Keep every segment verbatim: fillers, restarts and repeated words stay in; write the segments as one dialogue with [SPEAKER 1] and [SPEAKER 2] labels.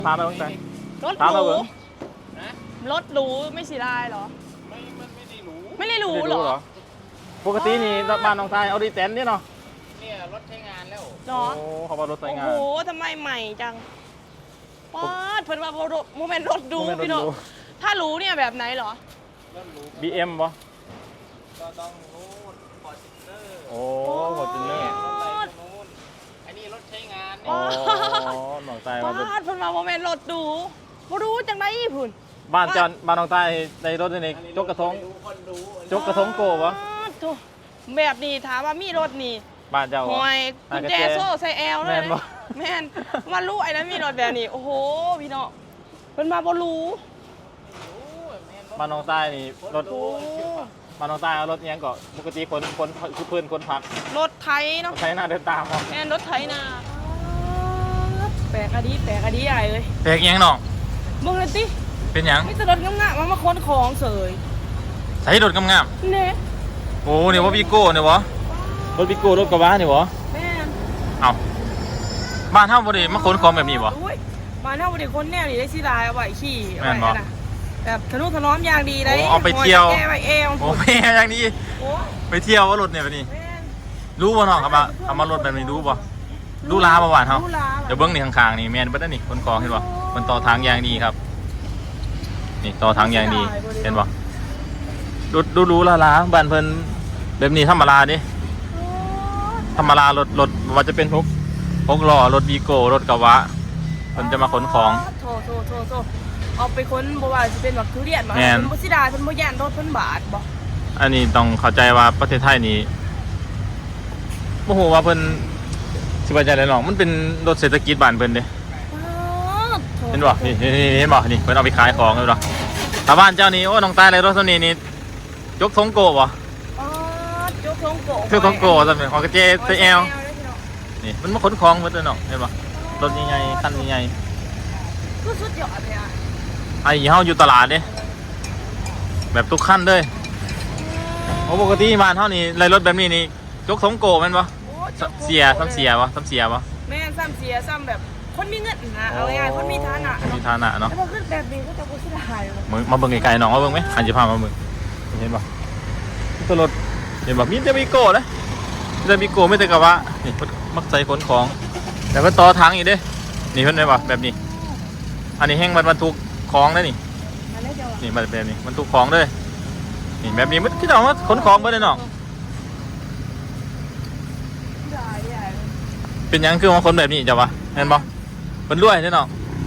[SPEAKER 1] พาไปบ้างใจ
[SPEAKER 2] รถ
[SPEAKER 1] พา
[SPEAKER 2] ห
[SPEAKER 1] มา
[SPEAKER 2] รู
[SPEAKER 1] เบิ้ง
[SPEAKER 2] รถหรูไม่สีลายเหรอไม่ไม่ได้หรูไม่ได้หรูเหรอ
[SPEAKER 1] ปกตินี่บ้านน้องชายเอาดีแตนนี่เนาะ
[SPEAKER 3] เนี่ยรถใช้งานแล้ว
[SPEAKER 2] เนาะ
[SPEAKER 1] โอ้เขาบอกรถใช้งาน
[SPEAKER 2] โอ้โหทำไมใหม่จังป๊าดเพิ่นว่าโมเมนต์รถดูพี่น้องถ้าหรูเนี่ยแบบไหนเหรอ
[SPEAKER 3] รถหรู
[SPEAKER 1] บีเอ็มป่ะ
[SPEAKER 3] ก็ต้องนู้นฟอร์จูเนอร์
[SPEAKER 1] โอ้ฟอร์จูเนอร์
[SPEAKER 3] รถอะไรนู้นอันนี้รถใช้งาน
[SPEAKER 1] อ๋อน้องชายมา
[SPEAKER 2] ป๊าดเพิ่นว่าโมเมนต์รถดูบ่รู้จังได๋พุ่น
[SPEAKER 1] บ้านจอนบ้านน้องชายในรถนี่จกกระทงจกกระทงโกวะ
[SPEAKER 2] แบบนี้ถามว่ามีรถนี่
[SPEAKER 1] บ้านเจ้า
[SPEAKER 2] หอยกุญแจโซ่ใส่แอลเลย
[SPEAKER 1] แม่นบ่
[SPEAKER 2] แม่นมารู้ไอ้นั้นมีรถแบบนี้โอ้โหพี่น้องเพิ่นมาบ่รู้
[SPEAKER 1] บ้านน้องชายนี่รถบ้านน้องชายเอารถยังก็ปกติคนคนคือเพื่อนคนพัก
[SPEAKER 2] รถไถเนาะ
[SPEAKER 1] ใช้หน้าเดินตามเอา
[SPEAKER 2] แม่นรถไถนาแปลกอะดีแปลกอะดีใหญ่เลย
[SPEAKER 1] แปลกยังน้อง
[SPEAKER 2] เบิ่งเลยติ
[SPEAKER 1] เป็นยัง
[SPEAKER 2] มีแต่รถงามๆมามาขนของเสย
[SPEAKER 1] ใช้รถงาม
[SPEAKER 2] ๆเนี่ย
[SPEAKER 1] โอ้เนี่ยว่าวีโก้เนี่ยวะรถวีโก้รถกระบะเนี่ยวะ
[SPEAKER 2] แม่น
[SPEAKER 1] เอาบ้านเฮาบ่ได้มาขนของแบบนี้บ่
[SPEAKER 2] อุ้ยบ้านเฮาบ่ได้ขนแนวนี้ได้สิลายเอาไว้ขี่เอา
[SPEAKER 1] แม่นบ่
[SPEAKER 2] ไว้นะแบบทะนุถนอมอย่างดีได้
[SPEAKER 1] โอ้เอาไปเที่ยว
[SPEAKER 2] แก้ไว้เอว
[SPEAKER 1] โอ้แม่อย่างนี้
[SPEAKER 2] โอ้
[SPEAKER 1] ไปเที่ยวว่ารถเนี่ยแบบนี้
[SPEAKER 2] แม่น
[SPEAKER 1] รู้บ่น้องครับว่าเอามารถแบบนี้รู้บ่รู้ลาบ่หวานเฮา
[SPEAKER 2] รู้ลา
[SPEAKER 1] เดี๋ยวเบิ่งนี่ข้างๆนี่แม่นเบิดแล้วนี่ขนของเห็นบ่มันต่อทางอย่างดีครับนี่ต่อทางอย่างดีเห็นบ่ดูดูรู้ลาๆบ้านเพิ่นแบบนี้ธรรมดาดิธรรมดารถรถว่าจะเป็นพวกพวกล้อรถวีโก้รถกระบะเพิ่นจะมาขนของ
[SPEAKER 2] โถโถโถโถเอาไปค้นบ่ว่าจะเป็นแบบทุเรียนบ่
[SPEAKER 1] แม่น
[SPEAKER 2] เพิ่นบ่สิดาเพิ่นบ่ย่านรถเพิ่นบาดบ่
[SPEAKER 1] อันนี้ต้องเข้าใจว่าประเทศไทยนี่บ่ฮู้ว่าเพิ่นสิว่าจังได๋น้องมันเป็นรถเศรษฐกิจบ้านเพิ่นเด้เห็นบ่นี่นี่เห็นบ่นี่เพิ่นเอาไปขายของเห็นบ่ถ้าบ้านเจ้านี่โอ้น้องตายเลยรถคันนี้นี่ยกทงโกบ่
[SPEAKER 2] อ๋อยกทงโก
[SPEAKER 1] ยกทงโกซั่นเป็นของกระเจใส่แอลนี่มันมาขนของเบิดเลยเนาะเห็นบ่รถใหญ่ๆคันใหญ่
[SPEAKER 2] ๆคือสุดยอดเลยอ่ะ
[SPEAKER 1] ไอ้เฮาอยู่ตลาดเด้แบบทุกคันเลยโอ้ปกติบ้านเฮานี่ไล่รถแบบนี้นี่ยกทงโกแม่นบ่เสียซ้ำเสียบ่ซ้ำเสียบ่
[SPEAKER 2] แม่นซ้ำเสียซ้ำแบบคนมีเงินนะเอาง่ายๆคนมีฐานะ
[SPEAKER 1] มีฐานะเนาะ
[SPEAKER 2] แต่พอขึ้นแบบนี้ก็จะบ่สิได้
[SPEAKER 1] มึงมาเบิ่งไกลๆน้องมาเบิ่งมั้ยอันสิพามาเบิ่งเห็นบ่ตัวรถเห็นบ่มีแต่วีโก้เด้มีแต่วีโก้ไม่แต่กระบะนี่มักใส่ขนของแล้วก็ต่อถังอีกเด้นี่เพิ่นได้บ่แบบนี้อันนี้แห้งมันบรรทุกของได้นี่นี่แบบนี้บรรทุกของเลยนี่แบบนี้มันคือเอามาขนของเบิดเลยเนาะเป็นยังคือมาขนแบบนี้จ้ะวะเห็นบ่เพิ่นรวยเด้เนาะ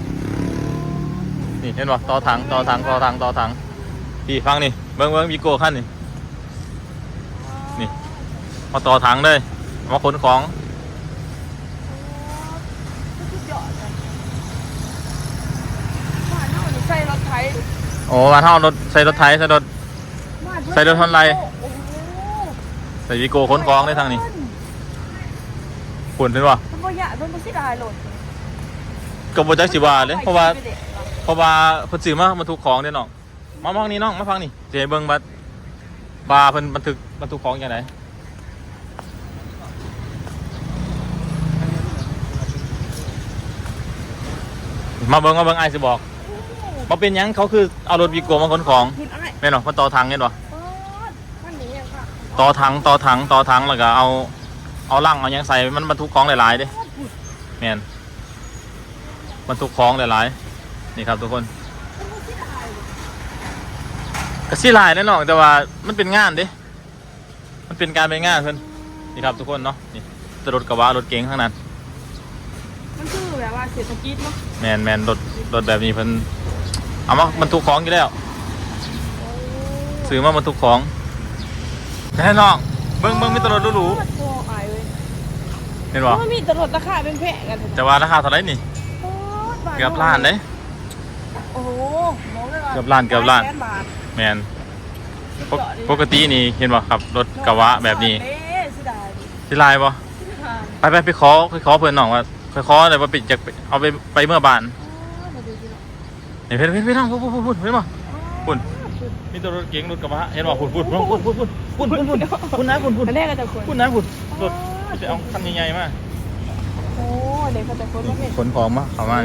[SPEAKER 1] นี่เห็นบ่ต่อถังต่อถังต่อถังต่อถังพี่ฟังนี่เบิ่งเบิ่งวีโก้คันนี่นี่มาต่อถังเลยมาขนของ
[SPEAKER 2] ใส่รถไถ
[SPEAKER 1] โอ้มาเท่ารถใส่รถไถใส่รถใส่รถทอนไรใส่วีโก้ขนของได้ทางนี้ปวดเลยว่ะ
[SPEAKER 2] มันบ่ยะมันบ่สิได้รถ
[SPEAKER 1] ก็บ่จักสิว่าเลยเพราะว่าเพราะว่าเพิ่นซื้อมาบรรทุกของเด้น้องมาฟังนี่น้องมาฟังนี่สิให้เบิ่งบัดบาเพิ่นบรรทุกบรรทุกของจังไดมาเบิ่งมาเบิ่งอ้ายสิบอกบ่เป็นหยังเขาคือเอารถวีโก้มาขนของแม่นบ่มาต่อถังเห็นบ่ต่อถังต่อถังต่อถังแล้วก็เอาเอาลังเอาหยังใส่มันบรรทุกของหลายๆเด้แม่นบรรทุกของหลายๆนี่ครับทุกคนก็สิหลายแน่นอนแต่ว่ามันเป็นงานเด้มันเป็นการเป็นงานเพิ่นนี่ครับทุกคนเนาะนี่รถกระบะรถเก๋งข้างนั้น
[SPEAKER 2] มันคือแบบว่าเศรษฐกิจเนาะ
[SPEAKER 1] แม่นแม่นรถรถแบบนี้เพิ่นเอามาบรรทุกของอยู่แล้วซื้อมาบรรทุกของแน่นอนเบิ่งเบิ่งมีตลอดหรูๆเห็นบ่
[SPEAKER 2] มันมีตลอดราคาเป็นแพงกัน
[SPEAKER 1] จะว่าราคาเท่าไหร่นี่เกือบล้านเด้
[SPEAKER 2] โอ้โห
[SPEAKER 1] เกือบล้านเกือบล้านแม่นปกตินี่เห็นบ่ครับรถกระบะแบบนี้สิลายบ่ไปไปไปขอไปขอเพิ่นน้องว่าไปขอได้บ่ปิดจักเอาไปไปเมื่อบ้านนี่เพิ่นเพิ่นเพิ่นน้องพุ่นๆๆเห็นบ่พุ่นมีตัวรถเก๋งรถกระบะเห็นบ่พุ่นพุ่นพุ่นพุ่นพุ่นพุ่นพุ่นพุ่นพุ่นนะพุ่นพุ่น
[SPEAKER 2] อันแรกก็จะคน
[SPEAKER 1] พุ่นนะพุ่นรถจะเอาคันใหญ่ๆมา
[SPEAKER 2] โอ้เด็กก็จะคน
[SPEAKER 1] ขนของมาเข้ามานี่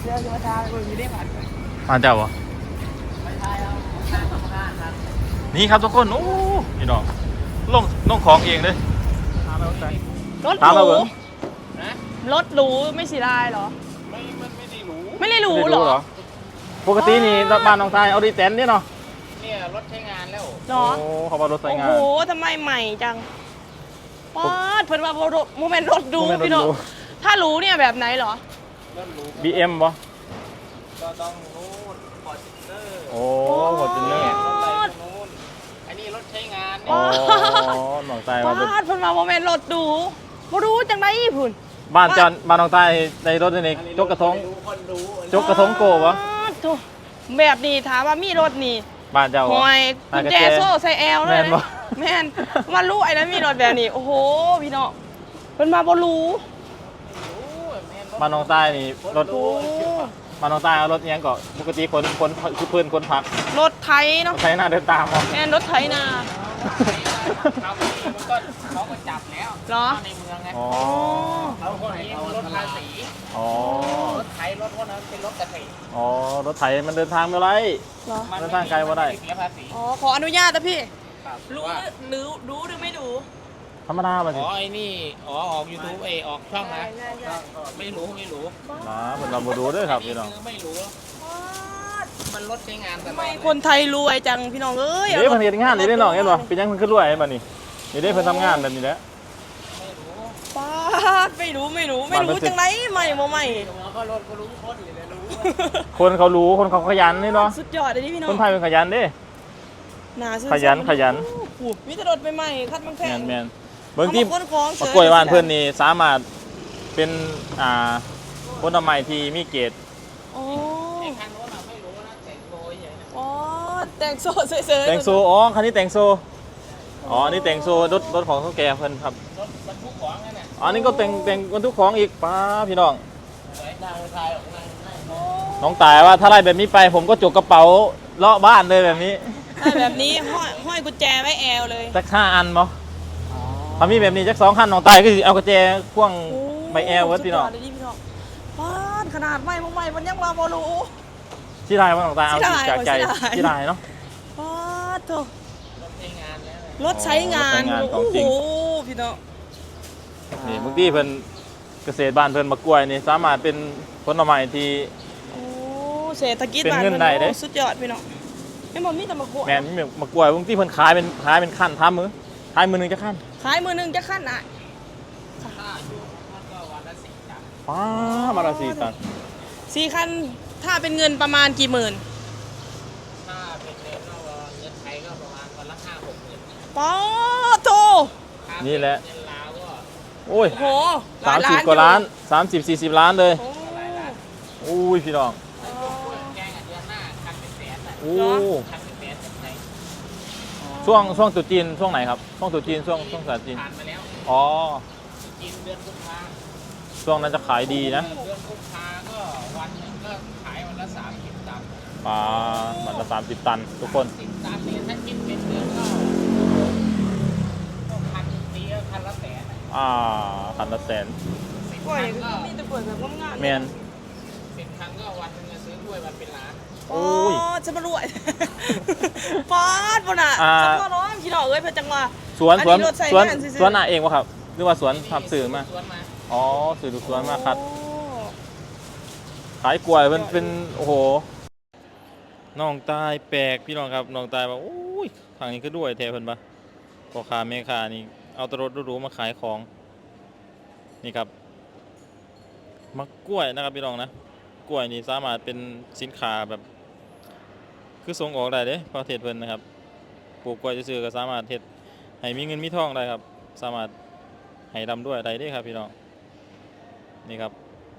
[SPEAKER 2] เดี๋ยวจะมาทาเลยไม่ได้ผ่านเลย
[SPEAKER 1] มาเจ้าบ่
[SPEAKER 3] ไปทายเอาหน้าทำงานครับ
[SPEAKER 1] นี่ครับทุกคนโอ้พี่น้องลงลงของเองเลย
[SPEAKER 3] ทำเอาใจ
[SPEAKER 2] รถ
[SPEAKER 1] ตาม
[SPEAKER 2] ห
[SPEAKER 1] มา
[SPEAKER 2] รู
[SPEAKER 1] เบิ่ง
[SPEAKER 3] นะ
[SPEAKER 2] รถหรูไม่สีลายเหรอ
[SPEAKER 3] ไม่มันไม่ได้รู้
[SPEAKER 2] ไม่ได้หรู
[SPEAKER 1] ไม่
[SPEAKER 2] เหร
[SPEAKER 1] รู้
[SPEAKER 2] อ
[SPEAKER 1] เหรอปกตินี่บ้านน้องชายเอาดีแตนนี่เนาะ
[SPEAKER 3] เนี่ยรถใช้งานแล้ว
[SPEAKER 2] เหรอ
[SPEAKER 1] โอ้เขาว่ารถใช้
[SPEAKER 2] โอ้
[SPEAKER 1] งา
[SPEAKER 2] โห
[SPEAKER 1] น
[SPEAKER 2] ทำไมใหม่จังป๊าดเพิ่นว่าโรโมเมนต์รถดู
[SPEAKER 1] โมเมนต์รถ
[SPEAKER 2] พี่น้อง
[SPEAKER 1] ดู
[SPEAKER 2] ถ้ารู้เนี่ยแบบไหนเหรอ
[SPEAKER 3] รถรู้
[SPEAKER 1] บี เอ็ม บ่
[SPEAKER 3] ก็ต้องนู้นฟอร์จูเนอร์
[SPEAKER 1] โอ้โหจินเนอร์
[SPEAKER 3] รถอะไรพวกนู้นอันนี้รถใช้งาน
[SPEAKER 1] อ๋
[SPEAKER 3] เนี่
[SPEAKER 1] อย น้องชายว่าเป็น
[SPEAKER 2] ป๊าดเพิ่นว่าโมเมนต์รถดูบ่รู้จังได๋พุ่น
[SPEAKER 1] บ้านจอนบ้านน้องชายในรถนี่จกกระทง
[SPEAKER 3] คนรู้
[SPEAKER 1] จกกระทงโกวะ
[SPEAKER 2] ป๊าดโถ่แบบนี้ถามว่ามีรถนี่
[SPEAKER 1] บ้านเจ้า
[SPEAKER 2] ห
[SPEAKER 1] วะ
[SPEAKER 2] อยกุญแจโซ่ใส่แอลเลย
[SPEAKER 1] แม่นบ่
[SPEAKER 2] นะแม่นมารู้ไอ้นั้นมีรถแบบนี้โอ้โหพี่น้องเพิ่นมาบ่รู้
[SPEAKER 1] บ้านน้องชายนี่รถ
[SPEAKER 2] โอ้
[SPEAKER 1] บ้านน้องชายเอารถเนี้ยก็ปกติคนคนคือเพื่อนคนพัก
[SPEAKER 2] รถไถเนาะ
[SPEAKER 1] ใช้หน้าเดินตามเอา
[SPEAKER 2] แม่นรถไถนา
[SPEAKER 3] เขามันก็เขาก็จับแล้ว
[SPEAKER 2] เหรอ
[SPEAKER 3] ในเมืองไง
[SPEAKER 1] อ๋อ
[SPEAKER 3] เขาคนนี้รถภาษี
[SPEAKER 1] อ๋อ
[SPEAKER 3] รถไถรถพวกนั้นเป็นรถเกษตร
[SPEAKER 1] อ๋อรถไถมันเดินทางไม่ไร
[SPEAKER 2] เหรอ
[SPEAKER 3] มัน
[SPEAKER 1] เดินทางไกลบ่ได้
[SPEAKER 3] เสียภาษี
[SPEAKER 2] อ๋อขออนุญาตนะพี่
[SPEAKER 3] ครับ
[SPEAKER 2] รู้
[SPEAKER 3] ว่า
[SPEAKER 2] หรือรู้หรือไม่รู้
[SPEAKER 1] ธรรมดามันสิ
[SPEAKER 3] อ๋อไอ้นี่อ๋อออกยูทูบเอยออกช่องนะ
[SPEAKER 2] ใช่ใช่
[SPEAKER 3] ไม่รู้ไม่รู้
[SPEAKER 1] นะเป็นเราบูดูด้วยครับพี่น้อง
[SPEAKER 3] คือไม่รู้ มันรถใช้งานตล
[SPEAKER 2] ทำ
[SPEAKER 3] อ
[SPEAKER 2] ไม
[SPEAKER 3] ด
[SPEAKER 2] คนไทยรวยจังพี่น้องเอ้ย
[SPEAKER 1] เด้เพิ่นเฮ็ดงานนี่ได้น้องเห็นบ่เป็นยังเพิ่นขึ้นรวยเห็นบ่นี่นี่เด้เพิ่นทำงานแบบนี้แหละ
[SPEAKER 3] ไม่รู้
[SPEAKER 2] ป้าดไม่รู้ไม่รู้ไม่
[SPEAKER 1] บ้านเพิ่
[SPEAKER 2] รู้
[SPEAKER 1] นสิ
[SPEAKER 2] จังไรใหม่บ่ใหม่
[SPEAKER 3] แล้วก็รถก็รู้คนอยู่เลยรู้
[SPEAKER 1] คนเขารู้คนเขาขยันนี่เนาะ
[SPEAKER 2] สุดยอดเลยนี่พี่น้อ
[SPEAKER 1] ค
[SPEAKER 2] ง
[SPEAKER 1] นไทยเป็นขยันเด้
[SPEAKER 2] หนาซื่อ
[SPEAKER 1] ขยันขยัน
[SPEAKER 2] โอ้โหมีแต่รถใหม่ๆคัดบางแพ
[SPEAKER 1] แม่
[SPEAKER 2] ง
[SPEAKER 1] นแม่นเบิ่งที่
[SPEAKER 2] เอามาค้นของ
[SPEAKER 1] มะกล้วยบ้านเพิ่นนี่สามารถเป็นอ่าผลไม้ที่มีเกรด
[SPEAKER 2] โอ้
[SPEAKER 3] ไอ้คันโน้นอะไม่รู้นะแต่งโดยอย่างนั้น
[SPEAKER 2] อ๋อแต่งโซ่เฉยๆ
[SPEAKER 1] แต่งโซอ๋อคันนี้แต่งโซอ๋ออันนี้แต่งโซรถรถของเฒ่าแก่เพิ่นครับ
[SPEAKER 3] รถบรรทุกของนั่นน่ะ
[SPEAKER 1] อ๋ออันนี้ก็แต่งแต่งบรรทุกของอีกป้าพี่น้อง
[SPEAKER 3] สวยนางชายออกนางนั่ง
[SPEAKER 2] โอ้
[SPEAKER 1] น้องตายว่าถ้าไล่แบบนี้ไปผมก็จกกระเป๋าเลาะบ้านเลยแบบนี้
[SPEAKER 2] ถ้าแบบนี้ห้อยห้อยกุญแจไว้แอลเลย
[SPEAKER 1] สักห้าอันบ่ถ้ามีแบบนี้จักสองคันน้องตายก็สิเอากระแจพ่วง
[SPEAKER 2] โอ้
[SPEAKER 1] ใบแอลเวิร์ดพี่น้อง
[SPEAKER 2] สุดยดเลยพี่น้องป้าดขนาดใหม่บ่ใหม่มันยังว่าบ่รู้
[SPEAKER 1] ที่ลายว่าน้องตายเอา
[SPEAKER 2] ที่
[SPEAKER 1] จริง
[SPEAKER 2] ลาย
[SPEAKER 1] จากใจ
[SPEAKER 2] ที่ลาย
[SPEAKER 1] ที่ลายเนาะ
[SPEAKER 2] ป้าดโถ
[SPEAKER 3] รถใช้งานแล้วนะ
[SPEAKER 2] รถใช้งาน
[SPEAKER 1] รถใช้งานขอ
[SPEAKER 2] โอ้
[SPEAKER 1] งจ
[SPEAKER 2] โห
[SPEAKER 1] ริง
[SPEAKER 2] พี่น้อง
[SPEAKER 1] นี่บางทีเพิ่นเกษตรบ้านเพิ่นมะกล้วยนี่สามารถเป็นผลไม้ที่
[SPEAKER 2] โอ้เศรษฐกิจ
[SPEAKER 1] เป็น
[SPEAKER 2] บ้าน
[SPEAKER 1] เงิน
[SPEAKER 2] พิ่
[SPEAKER 1] ได้เด้
[SPEAKER 2] โอ้สุดยอดพี่น้องไม่บอกมีแต่มะขวด
[SPEAKER 1] แม่นมีมะกล้วยบางทีเพิ่นขายเป็นขายเป็นขั้นท้ามือขายมือหนึงจะขั้น
[SPEAKER 2] ขายมือหนึงจะขั้นอ่ะ
[SPEAKER 3] ถ้าอยู่มันก็วันละสี่ตัน
[SPEAKER 1] ป้ามาละสี่ตัน
[SPEAKER 2] สี่คันถ้าเป็นเงินประมาณกี่หมื่น
[SPEAKER 3] ถ้าเป็นเงินก็เงินไทยก็ประมาณวันละห้าหกหมื่น
[SPEAKER 2] ป้าดโถ
[SPEAKER 3] ถ้าเป็
[SPEAKER 1] นี่แหละ
[SPEAKER 3] เงินลาวก็
[SPEAKER 1] โอ้ย
[SPEAKER 2] โอ้โหหล
[SPEAKER 1] สาย ม
[SPEAKER 2] ล้
[SPEAKER 1] สิบ
[SPEAKER 2] น
[SPEAKER 1] กว่าล้าน
[SPEAKER 2] อยู่
[SPEAKER 1] สามสิบสี่สิบล้านเลย
[SPEAKER 2] โอ้
[SPEAKER 1] อุ้ยพี่น้อง
[SPEAKER 3] แจ้งกันเดือนหน้าคันเป็นแสนน่ะ
[SPEAKER 1] โอ้
[SPEAKER 3] คันเป็นแสนจากไหน
[SPEAKER 1] ช่วงช่วงตรุษจีนช่วงไหนครับช่วงตรุษจีนช่วงช่วงศาสตร์จีน
[SPEAKER 3] ผ่านมาแล้ว
[SPEAKER 1] อ๋อ
[SPEAKER 3] กินเดือนกุมภา
[SPEAKER 1] ช่วงนั้นจะขายดีนะ
[SPEAKER 3] เดือนกุมภาก็วันหนึ่งก็ขายวันละสามสิบตัน
[SPEAKER 1] ปลามันละสามสิบตันทุกคน
[SPEAKER 3] สิบตันนี่ถ้าคิดเป็นเดือนก็ก็พันปีก็พันละแสนน่ะ
[SPEAKER 1] อ่าพันละแสน
[SPEAKER 3] สิบ
[SPEAKER 2] กล้วย
[SPEAKER 3] คันก็
[SPEAKER 2] มีแต่เปิดแบบงามๆ
[SPEAKER 1] แมน
[SPEAKER 3] สิบคันก็วันหนึงจะซื้อกล้วยวันเป็นล้าน
[SPEAKER 1] โอ้
[SPEAKER 2] โอ้
[SPEAKER 1] ย
[SPEAKER 2] จะมารวยป้าดบ่น่ะ
[SPEAKER 1] อ่า
[SPEAKER 2] จะพ่อร้องพี่น้องเอ้ยเพิ่นจังว่า
[SPEAKER 1] สวน
[SPEAKER 2] อัน
[SPEAKER 1] สวน
[SPEAKER 2] นี้รถใช้
[SPEAKER 1] สวน
[SPEAKER 2] งานซื่อๆ
[SPEAKER 1] สวนน่ะเองวะครับหรือว่าสวนทับสื่อมา
[SPEAKER 3] สวนมา
[SPEAKER 1] อ๋อสื่อดูสวนมาครับ
[SPEAKER 2] โอ้
[SPEAKER 1] ขายกล้วยมันเป็นโอ้โหน้องตายแปลกพี่น้องครับน้องตายว่าโอ้ยทางนี้ก็ด้วยแทเพิ่นปะพ่อค้าแม่ค้านี่เอาแตรถหรูๆมาขายของนี่ครับมะกล้วยนะครับพี่น้องนะกล้วยนี่สามารถเป็นสินค้าแบบ คือส่งออกได้เด้ประเทศเพิ่นนะครับปลูกกล้วยซื่อๆก็สามารถเฮ็ดให้มีเงินมีทองได้ครับ สามารถให้ร่ำรวยได้เด้ครับพี่น้องนี่ครับ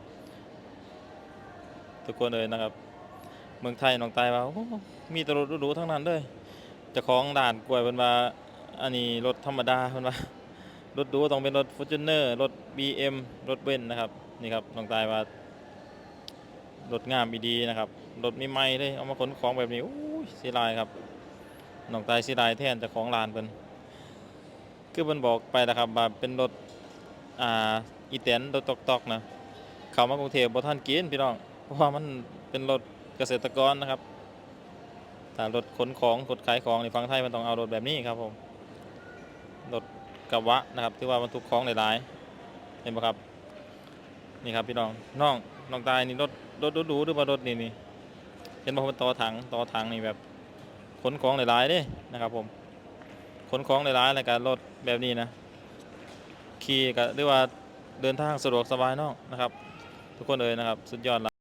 [SPEAKER 1] ทุกคนเลยนะครับ เมืองไทยน้องตายว่าโอ้มีแตรถหรูๆทั้งนั้นเลยเจ้าของด่านกล้วยเพิ่นว่าอันนี้รถธรรมดาเพิ่นว่ารถหรูต้องเป็นรถ Fortuner รถ บี เอ็ม รถเบนซ์นะครับนี่ครับน้องตายว่ารถงามดีๆนะครับรถใหม่ๆเลยเอามาขนของแบบนี้โอ้ยเสียดายครับน้องตายเสียดายแทนเจ้าของร้านเพิ่นคือเพิ่นบอกไปนะครับว่าเป็นรถอ่าอีแตนรถตอกๆนะเข้ามากรุงเทพบ่ทันกินพี่น้องเพราะว่ามันเป็นรถเกษตรกรนะครับแต่รถขนของรถขายของในฝั่งไทยมันต้องเอารถแบบนี้ครับผมรถกระบะนะครับที่ว่าบรรทุกของหลายๆเห็นไหมครับนี่ครับพี่น้องน้องน้องตายนี่รถรถดูๆหรือว่ารถนี่นี่เห็นบอกว่าต่อถังต่อถังนี่แบบขนของหลายๆเด้นะครับผมขนของหลายๆแล้วก็รถแบบนี้นะขี่ก็เรียกว่าเดินทางสะดวกสบายน้องนะครับทุกคนเลยนะครับสุดยอดละ